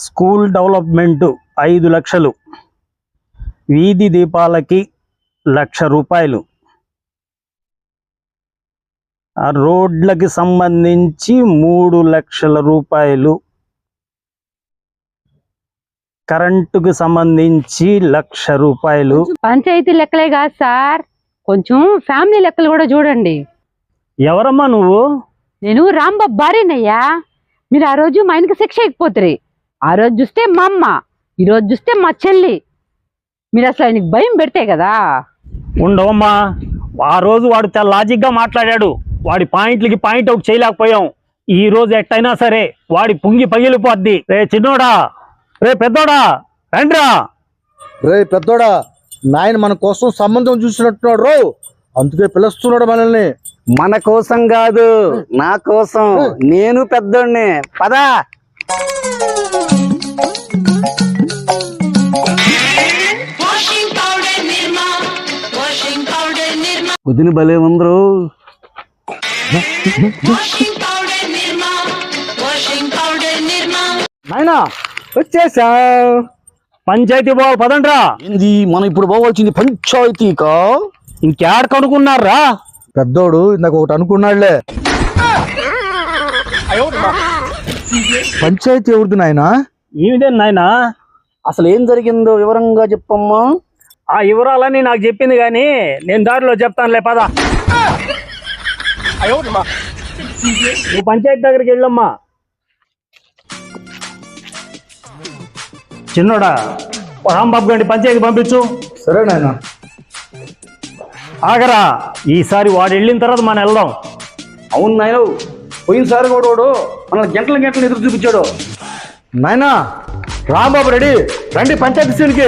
School development 5 లక్షలు, వీధి దీపాలకి 1,00,000 రూపాయలు, ఆ రోడ్లకి సంబంధించి 3 లక్షల రూపాయలు, కరెంటుకు సంబంధించి 1,00,000 రూపాయలు. పంచాయతీ లెక్కలే కాదు సార్, కొంచెం ఫ్యామిలీ లెక్కలు కూడా చూడండి. ఎవరమ్మా నువ్వు? నేను రాంబాబు భార్యనయ్యా. మీరు ఆ రోజు మా ఆయనకి శిక్ష అయిపోతుంది. ఆ రోజు చూస్తే మా అమ్మ, ఈ రోజు చూస్తే మా చెల్లి. మీరు అసలు ఆయనకి భయం పెడితే కదా. ఉండవమ్మా, ఆ రోజు వాడు చాలా లాజిక్గా మాట్లాడాడు. వాడి పాయింట్లకి పాయింట్ అవుట్ చేయలేకపోయాం. ఈ రోజు ఎట్టయినా సరే వాడి పుంగి పగిలిపోద్ది. రే చిన్నోడా, రే పెద్దోడా, రండ్రా. రే పెద్దోడా, నాయన మన కోసం సంబంధం చూసినట్టున్నాడు రో, అందుకే పిలుస్తున్నాడు మనల్ని. మన కోసం కాదు, నా కోసం. నేను పెద్దోడిని. పదా. వదిన భలే ఉందరు. నాయనా వచ్చేసా. పంచాయతీ పోవాలి పదండ్రా. ఏంది మనం ఇప్పుడు పోవాల్సింది పంచాయతీకా? ఇంకేడ కనుక్కున్నారా? పెద్దోడు ఇందాక ఒకటి అనుకున్నాడులే. పంచాయతీ ఎవరిది నాయనా? ఏమిటే నాయనా? అసలు ఏం జరిగిందో వివరంగా చెప్పమ్మా. ఆ వివరాలన్నీ నాకు చెప్పింది కానీ నేను దారిలో చెప్తానులే, పద. నువ్వు పంచాయతీ దగ్గరికి వెళ్ళమ్మా. చిన్నోడా, రాంబాబు గారిని పంచాయతీ పంపించు. సరే నాయనా. ఆగరా, ఈసారి వాడు వెళ్ళిన తర్వాత మనం వెళ్దాం. అవును నాయన, పోయినసారి కూడా వాడు మన గంటల గంటలు ఎదురు చూపించాడు. నాయనా రాంబాబు రెడీ, రండి పంచాయతీ సీన్కి.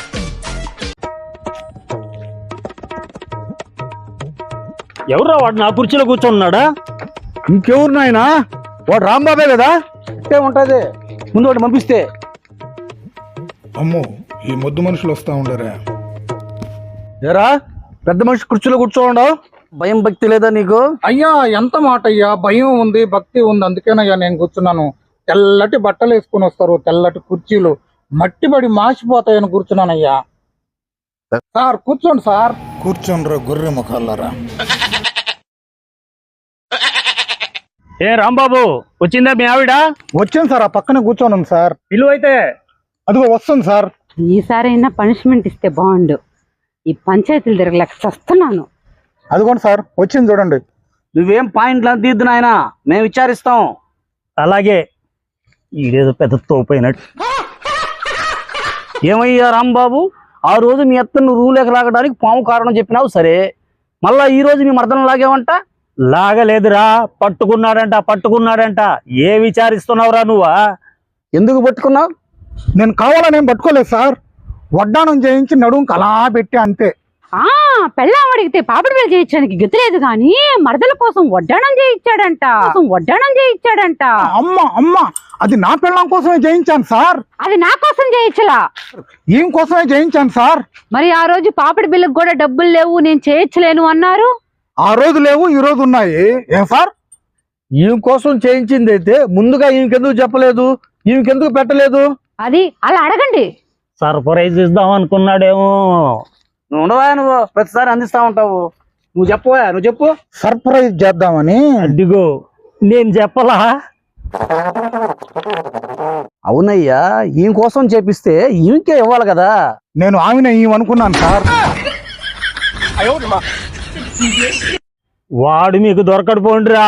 ఎవరా వాడు నా కుర్చీలో కూర్చొన్నాడా? ఇంకెవరు నాయనా? వాడు రాంబాబే కదా. అంటే ఉంటది, ముందు వాడు పంపిస్తే. అమ్మో, ఈ మొద్దు మనుషులు వస్తా ఉండరా? ఏరా పెద్ద మనిషి కుర్చీలో కూర్చోండవు. భయం భక్తి లేదా నీకు? అయ్యా ఎంత మాట అయ్యా, భయం ఉంది భక్తి ఉంది, అందుకేనయ్యా నేను కూర్చున్నాను. తెల్లటి బట్టలు వేసుకుని వస్తారు, తెల్లటి కుర్చీలు మట్టి పడి మాసిపోతాయని కూర్చున్నానయ్యా. సార్ కూర్చోండి సార్. కూర్చోనరా గొర్రె ముఖాలరా. ఏ రాంబాబు, వచ్చిందా మీ ఆవిడ? వచ్చాను సార్, ఆ పక్కనే కూర్చోను సార్. పిలువైతే అదిగో వస్తుంది సార్. ఈసారైనా పనిష్మెంట్ ఇస్తే బాగుండు. ఈ పంచాయతీలు తిరగలేక చస్తున్నాను. అదిగోండి సార్, వచ్చింది చూడండి. నువ్వేం పాయింట్లు అంత తీద్దు నాయన, మేము విచారిస్తాం. అలాగే. ఈడేదో పెద్ద తోపోయినట్టు. ఏమయ్యా రాంబాబు, ఆ రోజు మీ అత్తను రూలేక లాగడానికి పాము కారణం చెప్పినావు సరే, మళ్ళా ఈ రోజు మీ మర్దన లాగేవంట. లాగలేదురా, పట్టుకున్నాడంట. ఏ విచారిస్తున్నావురా నువ్వా? ఎందుకు పట్టుకున్నావు? నేను కావాలని ఏం పట్టుకోలేదు సార్, వడ్డానం చేయించి నడుంకి అలా పెట్టి అంతే. పెళ్ళాం అడిగితే పాపడి వేలు చేయించడానికి గతిలేదు కానీ మరదల కోసం వడ్డాణం చేయించాడంట. అమ్మ అమ్మ, అది నా పెళ్ళాం కోసమే చేయించాను సార్. అది నా కోసం చేయించలా, ఈయన కోసమే చేయించాను సార్. మరి ఆ రోజు పాపడి బిల్లుకు కూడా డబ్బులు లేవు, నేను చేయించలేను అన్నారు. ఆ రోజు లేవు, ఈ రోజు ఉన్నాయి. ఏం సార్? ఈయన కోసం చేయించింది అయితే ముందుగా ఈయనకెందుకు చెప్పలేదు, ఈయనకెందుకు పెట్టలేదు? అది అలా అడగండి. సర్ప్రైజ్ ఇద్దాం అనుకున్నాడేమో. నువ్వు ఉండవా, నువ్వు ప్రతిసారి అందిస్తా ఉంటావు. నువ్వు చెప్పవా, నువ్వు చెప్పు. సర్ప్రైజ్ చేద్దామని. అడ్డిగో, నేను చెప్పలా? అవునయ్యా, ఈయన కోసం చేపిస్తే ఈయనకే ఇవ్వాలి కదా. నేను ఆమెను అనుకున్నాను సార్. వాడు మీకు దొరకడు పోండిరా.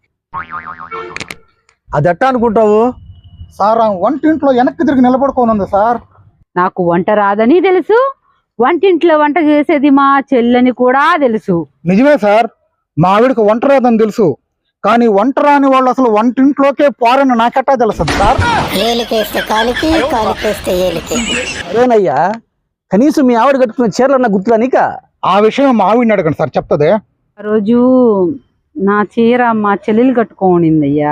అది ఎట్టా అనుకుంటావు సార్? ఆ వంటింట్లో వెనక్కి తిరిగి నిలబడుకోనుంది సార్. నాకు వంట రాదని తెలుసు, వంటింట్లో వంట చేసేది మా చెల్లని కూడా తెలుసు. నిజమే సార్, మా ఆవిడకి వంట రాదని తెలుసు, కానీ వంట రాని వాళ్ళు అసలు వంటింట్లోకే పోరని నాకెట్టా తెలుసు సార్. ఏలికేస్తే కాలికి, కాలికేస్తే ఏలికి. అదేనయ్యా, కనీసం మీ ఆవిడ కట్టుకున్న చీరలన్న గుర్తులా నీక? ఆ విషయం మా ఆవిడని అడగండి సార్, చెప్తుంది. ఆ రోజు నా చీర మా చెల్లెలు కట్టుకోనిందయ్యా.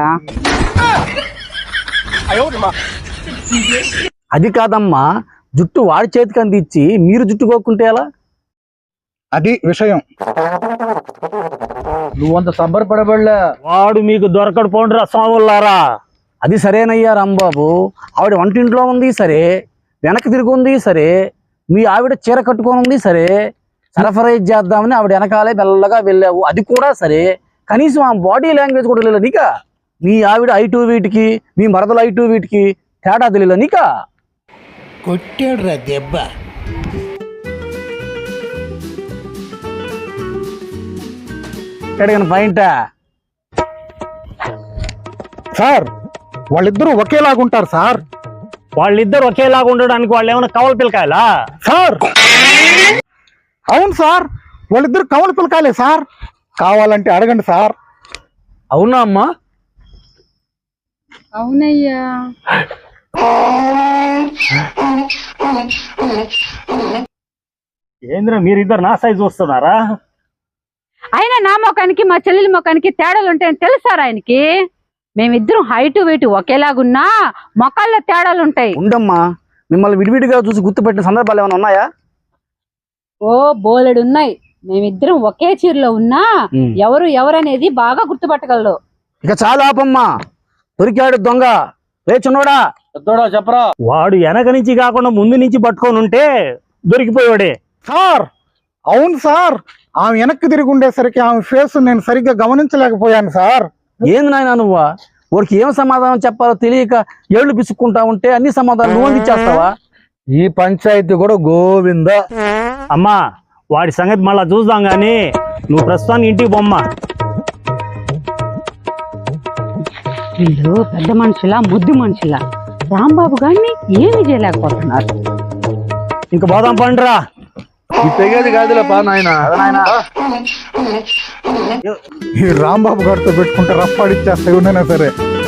అది కాదమ్మా, జుట్టు వాడి చేతికి అందించి మీరు జుట్టుకోకుంటే ఎలా? అది విషయం. నువ్వంత సంబరపడబడలే. వాడు మీకు దొరకడు పోండిరా స్వాములారా. అది సరేనయ్యా రాంబాబు, ఆవిడ వంటింట్లో ఉంది సరే, వెనక్కి తిరిగి ఉంది సరే, మీ ఆవిడ చీర కట్టుకొని ఉంది సరే, సరఫరైజ్ చేద్దామని ఆవిడ వెనకాలే మెల్లగా వెళ్ళావు, అది కూడా సరే. కనీసం ఆ బాడీ లాంగ్వేజ్ కూడా తెలియదు నీకా? మీ ఆవిడ ఐటు వీటికి, మీ మరదలు ఐటు వీటికి తేడా తెలియదు నీకా? కొట్టాడు రా దెబ్బ. అడిగిన పాయింటా? సార్ వాళ్ళిద్దరూ ఒకేలాగుంటారు సార్. వాళ్ళిద్దరు ఒకేలాగా ఉండడానికి వాళ్ళు ఏమైనా కవల పిల్లకాయలా? సార్ అవును సార్, వాళ్ళిద్దరు కవల పిల్లకాయలే సార్. కావాలంటే అడగండి సార్. అవునా అమ్మా? అవునయ్యా. ఏంద్ర మీరిద్దరు నా సైజు వస్తున్నారా? అయినా నా ముఖానికి మా చెల్లెలి ముఖానికి తేడాలు ఉంటాయని తెలుసారా ఆయనకి? మేమిద్దరం హైటు వెయిట్ ఒకేలాగున్నా మొక్కల్లో తేడాలు ఉంటాయి. ఉండమ్మా, మిమ్మల్ని విడివిడిగా చూసి గుర్తుపెట్టిన సందర్భాలు ఏమైనా ఉన్నాయా? ఓ బోలెడు ఉన్నాయి. మేమిద్దరం ఒకే చీరలో ఉన్నా ఎవరు ఎవరనేది బాగా గుర్తుపట్టగలరు. ఇక చాలా ఆపమ్మా, దొరికాడు దొంగ. రే చిన్నోడా, పెద్దోడా చెప్పరా. వాడు వెనక నుంచి కాకుండా ముందు నుంచి పట్టుకొని ఉంటే దొరికిపోయాడే. సార్ అవును సార్, ఆమె వెనక్కి తిరిగి ఉండేసరికి ఆమె ఫేస్ నేను సరిగ్గా గమనించలేకపోయాను సార్. ఏంది నాయన నువ్వా? వాడికి ఏం సమాధానం చెప్పాలో తెలియక ఏళ్ళు పిసుక్కుంటా ఉంటే అన్ని సమాధానం నువ్వు ఇచ్చేస్తావా? ఈ పంచాయతీ కూడా గోవింద. అమ్మా వాడి సంగతి మళ్ళా చూద్దాం గాని నువ్వు ప్రస్తుతానికి ఇంటికి బొమ్మ. వీళ్ళు పెద్ద మనుషులా ముద్దు మనుషులా? రాంబాబు గారిని ఏమీ చేయలేకపోతున్నారు. ఇంక పోదాం పండురా. ఈ తెగేది కాదులే పా నాయన. ఈ రాంబాబు గారితో పెట్టుకుంటే రఫ్ ఆడిచ్చేస్తా ఎవరైనా సరే.